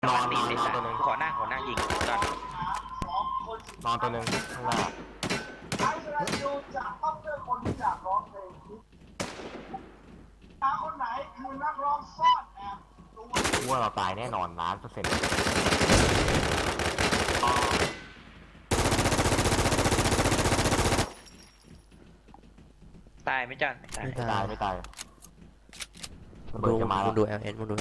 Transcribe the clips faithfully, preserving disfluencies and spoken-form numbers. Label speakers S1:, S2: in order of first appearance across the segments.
S1: นอนนอนนอนตัวหนึ่ง
S2: ขอหน้าขอหน้ายิงก่อน
S1: นอนตัวหนึ่งข้างหน้า
S3: ไอ้สรายูจะต้องเลือกคนที่อยากร้องเพลงตาคนไหนคือนักร้องซ่อนแอบตัว
S1: ว่าเราตายแน่นอนล้านเปอร์เซ็นต์
S2: ตายไหมจันตาย
S1: ไม่ตายไม่ตายระ
S4: มึ
S1: เบิด
S4: ง
S1: จะมา
S4: มึ
S1: แล้ว
S4: งดู แอล เอส มึงดู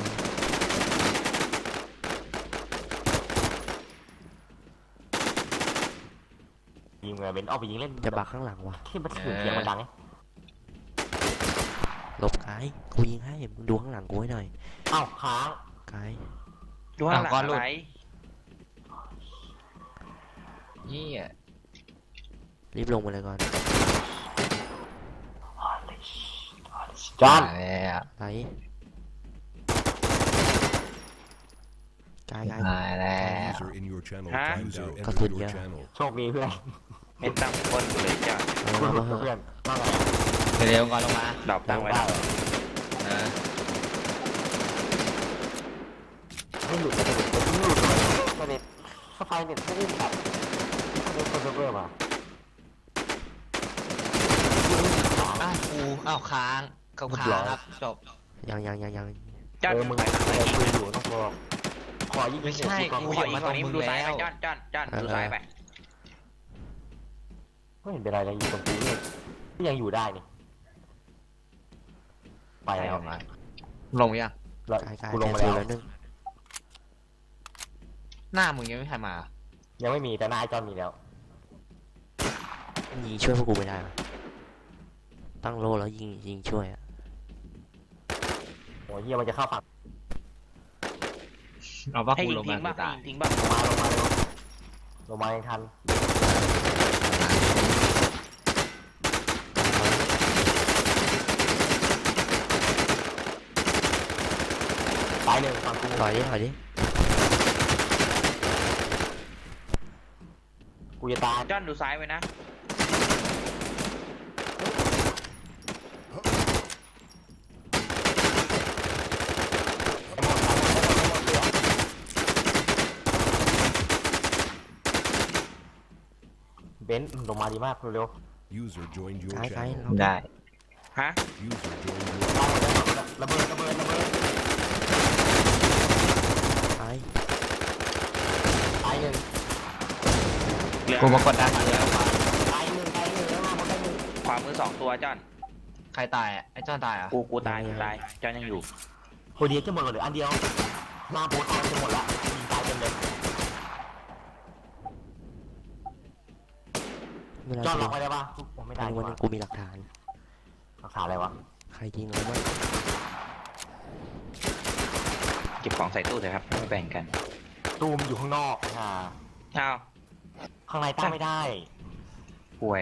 S1: ยิงเลยเบนซ์เอาไปยิงเล่น
S4: จะบักข้างหลังวะ
S1: ที่มันถึงเสียงมันดังไง
S4: หลบไกด์กูยิงให้มึงดูข้างหลังกูให้หน่อย
S1: เอ้าค้าง
S4: ไกด์
S2: ดูข้างหลังอะไร
S5: นี่อ่ะ
S4: รีบลงมาเลยก่อน
S1: จอน
S5: มาแล้ว
S4: ไกด์ไกด์ไกด์
S5: มาแล้ว
S6: User in your channel.
S2: Hả?
S6: User
S4: Có
S6: entered
S4: thuyền
S6: your
S4: chưa?
S6: channel.
S1: โชคดีเพื่อน
S2: เป็นตั้งคนเลยจ้ะ
S4: เอา
S1: คุณ
S4: มาเถ
S1: เพื่อ
S4: อะ
S1: นว่าไง
S5: เร็วๆก่อนลงมา
S2: ดอกตั้งไว้
S1: ได้
S5: เออ
S1: ไม่หลุดไม่หลุดไม่หลุดเลยประเด็นสไฟเน็ตไม่ได้แบบเน็ตคอนเซิร์ฟเวอร์มา
S5: อ้าวกูอ้าวค้างเขาค้างครับจบ
S4: ยังยังยังยัง
S2: จัน
S1: เออมึง
S2: ไปหลัง
S1: มึง
S2: ไปยิง
S1: คุยอยู่ต้องรอขอยิง
S5: ไม่ใช่
S1: ก่อน
S5: กู
S2: ข
S5: อ
S2: อยู่ ยิง
S5: มา
S2: ตรงนี้
S5: ตรงมึง
S2: ดูซ้ายไป
S5: แล้ว
S2: จันจันจันดูซ้ายไป
S1: ไม่เห็นเป็นไรเลยอยู่ตรงกูนี่ก็ยังอยู่ได้นี่ไป
S5: ไป
S1: แล้ว
S5: ออกมาลงยัง
S1: แล้ว
S4: ไกด์ไกด์
S1: กูลงมา
S4: แค
S1: แล้
S4: น
S1: ว
S4: แล้วนึง
S5: หน้ามึงยังไม่ใครมา
S1: ยังไม่มีแต่หน้าไอจอนมีแล้ว
S4: ยิงช่วยพวกกูไม่ได้วะตั้งโลแล้วยิงยิงช่วยอะ
S1: โอ้ยเฮียมันจะเข้าฝั่ง
S5: เอาว่า
S2: ให้
S5: กู
S2: ยิง
S5: ลง
S2: ทิ้
S5: มาง
S2: บ้าง
S5: ตาย
S2: ยิงทิ้งบ้าง
S1: ลงมาลงมาเร็วลงมายังทันตายหนึ่งฝั่งกู
S4: ถอยดิถอยดิ
S1: กูจะตาย
S2: จันดูซ้ายไว้นะ
S1: เบนซ์ลงมาดีมากเร็ว
S6: User joined your
S4: ไกด์ไกด์
S6: channel.
S4: เรา
S5: ได้
S2: ฮะ
S6: User joined your
S1: ๆตายหมดแล้วระเบิดระเบิดระเบิด
S4: ไกด์
S1: ตายหนึ่ง
S2: เหลือ
S5: กูมากดดันมาแล้ว
S1: ตายหนึ่งตายหนึ่งแล้วมาหมดได้หนึ่ง
S2: ขวามือสองตัวจัน
S5: ใครตายอ่ะไอ้จ้อนตายอ่ะ
S2: กูกูตายกูตายจันยังอยู่
S1: โคเดียจะหมดเหลืออันเดียวหน้าโบตายจะหมดละยิงตายเต็มเลย
S4: ไม่ได้
S1: จอด
S4: กู
S1: ล็อกไว้ได้ปะผมไม่ได้
S4: วัน
S1: ดีก
S4: วัน
S1: ว่า
S4: นึงกูมีหลักฐาน
S1: รักษาอะไรวะ
S4: ใครยิงเราบ้าง
S2: เก็บของใส่ตู้เถอะครับไม่แบ่งกัน
S1: ตูมอยู่ข้างนอกอ่า
S2: อ้าว
S1: ข้างในตั้งไม่ได้
S2: ป่วย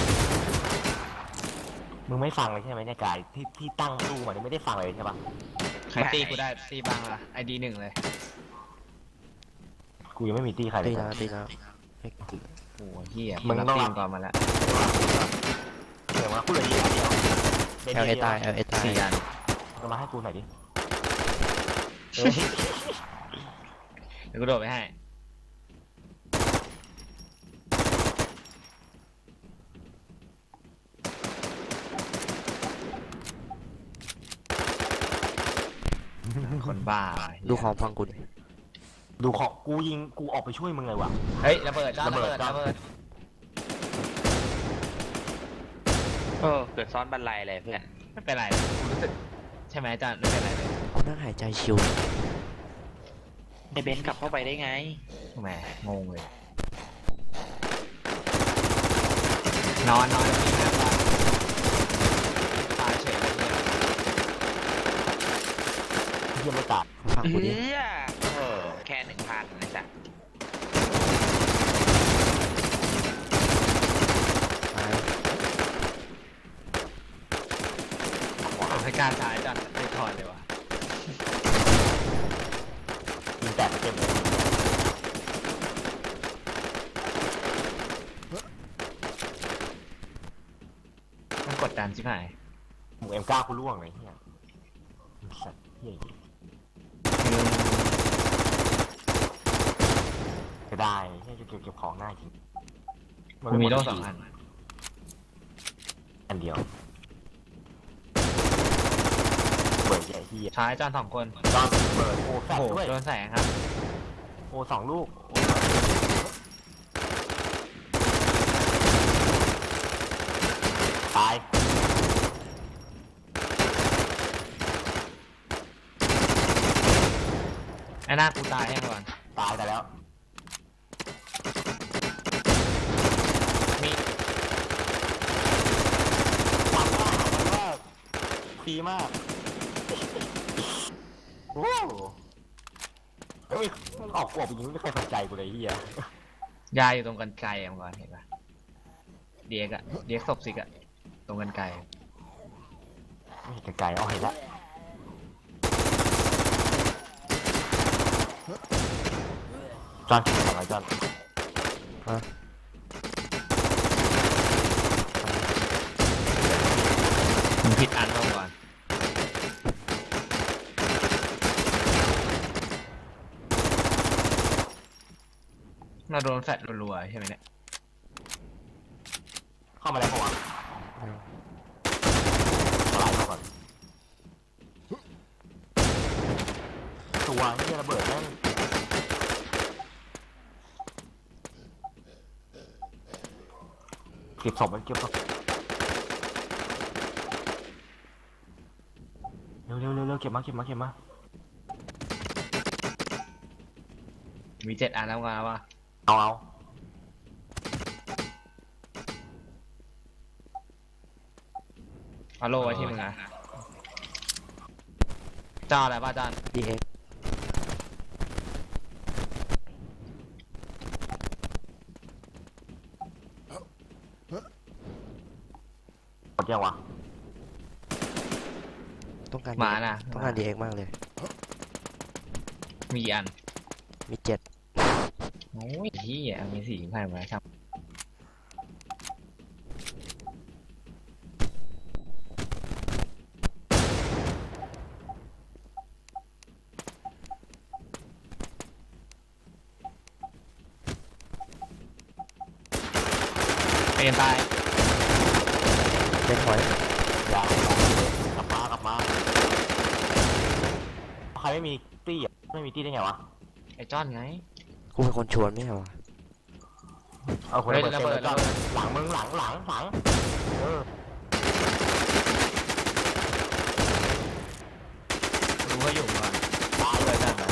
S1: มึงไม่ฟังเลยใช่ไหมเนี่ยกายที่ที่ตั้งตู้มันไม่ได้ฟังเลยใช่ปะ
S5: ใครตีกูได้ตีบังล่ะไอดีหนึ่งเลย
S1: กูยังไม่มีตี้ใครเล
S4: ตี
S1: ย
S4: แล้วตีแล้วไม่
S5: โอ้เหี้ย
S1: มึงต้อง
S5: ตี
S1: รับ
S5: ก่อนมาแล้ว
S1: เดี๋ยวมาพูดเลยดีเดียว
S4: แอลเอตายแอลเอตาย
S5: สี่อัน
S1: จะมาให้กูหน่อยดิ
S5: เดี๋ยวกูโดดไปให้คนบ้าว่ะ
S4: ดูของฟังกูดิ
S1: ดูของกูยิงกูออกไปช่วยมึงเลยว่ะ
S5: เฮ้ยระเบิดจ้อน
S1: ระ
S5: ระ
S1: เบิ
S5: เบิ
S1: ด
S5: ด
S1: จ้อน
S5: ระเบิด
S2: เออเกิดซ้อนบันไลเลยเพื่อน
S5: ไม่เป็นไรกูรู้สึกใช่ไหมจ้อนไม่เป็นไรเลย
S4: กูนั่งหายใจชิว
S2: ไอเบนซ์กลับเข้าไปได้ไง
S5: แหมงงเลย นอนนอนที่หน้าบ้านตายเฉยเลยเนี่ย
S1: เฮียไม่ตาย
S4: ฟังกูดิ
S2: เอื้อเออแค่หนึ่งพันนะจ๊ะ
S4: ตาย
S5: เอาให้กล้ารตายจ้อนไม่ถอนเลยวะ
S1: ยิงแตกเต็มเลย
S5: มันกดดันใช่ไหม
S1: หมูเอ็มเก้ากูล่วงเลยเฮียสัตว์เฮียได้ให้เก็บเก็บของง่ายจริง
S5: กูมีโล่สองอัน
S1: อันเดียวเบิร์ดใหญ่ที่
S5: ซ้ายจานสองคน
S1: ตอนเบิร์ดโอ้แฟ
S5: โอ้
S1: ด
S5: โห
S1: ด้วย
S5: โดนแสงครับ
S1: โอ้สองลูกตาย
S5: ไอ้หน้ากูตายให้ก่อน
S1: ตายแต่แล้ว
S5: มี
S1: ทำมากทำมากดีมากโอ้เฮ้ยมันออกกวบอย่างนี้ไม่มีใครสนใจกูเลยเฮีย
S5: ยาอยู่ตรงกันไกลอ่ะก่อนเห็นปะเดียกอะเดียกศพสิกอะตรงกันไกล
S1: ไม่เห็นไกลๆเอาเห็นแล้วจอนทำอะไรจอน
S4: ฮะ
S5: มึงผิดอันลงก่อนเราโดนแฟดรัวๆใช่ไหมเนี่ย
S1: เข้ามาแล้วปะวะสไลด์เข้าก่อนตัวที่ระเบิดแม่งเก็บศพมันเก็บศพเร็วเร็วเร็วเร็วเก็บมาเก็บมาเก็บมา
S5: มีเจ็ดอันแล้วไงวะ
S1: เอาเอา
S5: เอาโล่ไว้ที่มึงอะจ้าอะไรป่ะจาน
S4: ดีเอ็ก
S1: หมดยังวะ
S4: ต้องการ
S5: หมาน่ะ
S4: ต้องการดีเอ็กมากเลย
S5: มีกี่อัน
S4: มีเจ็ด
S5: โอ้ยที่อ่ะมีสี่พันมาครับเป็นตาย
S4: เจ็ดหอย
S1: ยาวกลับมากลับมาใครไม่มีตี้อ่ะไม่มีตี้ได้ไงวะ
S5: ไอ้จ้อนไง
S4: กูเป็นคนชวนไม่ใช่วะ
S1: เอาคน
S5: เฮ้ย
S1: ระเบิด
S5: ระ
S1: เต็ม
S5: เบิ
S1: เล
S5: ด
S1: ยจ้อนหลังมึงหลังหลังหลังเออ
S5: รู้ว่าอยู่ก่อน
S1: ตายเลยจ้อน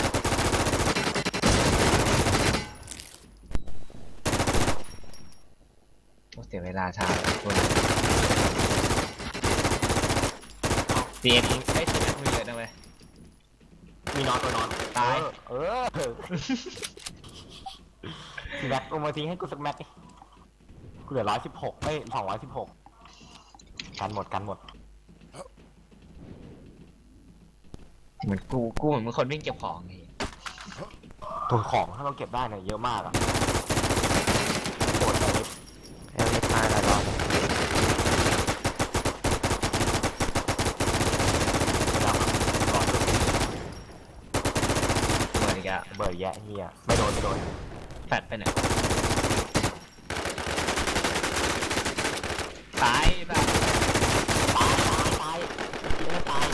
S5: โอ้เสียเวลาช้าคนเสียทิ้งไอ้ทีนั้นมีเยอะนะเว้ย
S1: มีนอนตัวนอน
S5: ตาย
S1: เออเออทีแม็กลงมาทิ้งให้กูสักแม็กดิกูเหลือร้อยสิบหกเอ้ยสองร้อยสิบหกกันหมดกันหมด
S5: เหมือนกูกูเหมือนมึงคนวิ่งเก็บของไง
S1: ตัวของถ้าเราเก็บได้เนี่ยเยอะมากอะโหดเลย
S4: แอลไม่ตายแล้วรอบ
S1: แล้วรอ
S5: เหมือนอีกอะ
S1: เบิร์ดแยะเฮียไม่โดนไม่โดน
S5: แฟดไปไหนตายแบบ
S1: ตายตายตายไม่ตาย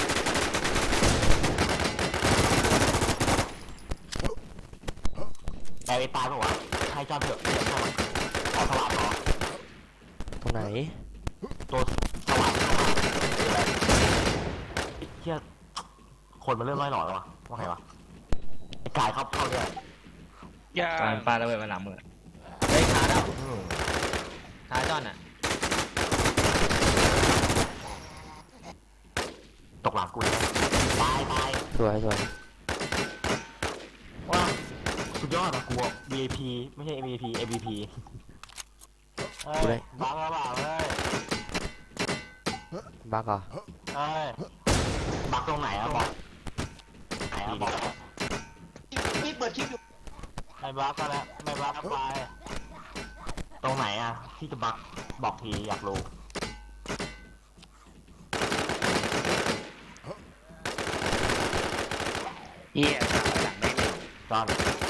S1: แต่ไอ้ตายปะวะให้จอดเถอะเดี๋ยวให้มันขอสว่างเหรอ
S4: ตรงไหน
S1: ตัวสว่างสว่างเฮียคนมันเริ่มน้อยหน่อยแล้ววะว่าไงวะไอ้กายเข้าเข้าเนี่ย
S2: อย่า
S5: ตอนปลาระเบิดมาหลังมือเฮ้ยขาแล้ว
S1: อืม
S5: ขาจอนอ่ะ
S1: ตกหลังกูเลยตายตาย
S4: สวยสวย
S1: ว้าสุดยอดอะกูอะ วี ไอ พี ไม่ใช่ เอ็ม วี พี เอ็ม วี พี เฮ้ยบังแล้วเปล่าเฮ้ย
S4: บักเหรอ
S1: เฮ้ยบักตรงไหนอะบอกไหนอะบอก
S3: พี่เปิดคลิปอยู่
S1: ไม่บักก็แล้วไม่บักก็ไปตรงไหนอะที่จะบักบอกทีอยากรู้
S2: เหี้ยหลังไม่เลย
S1: จอน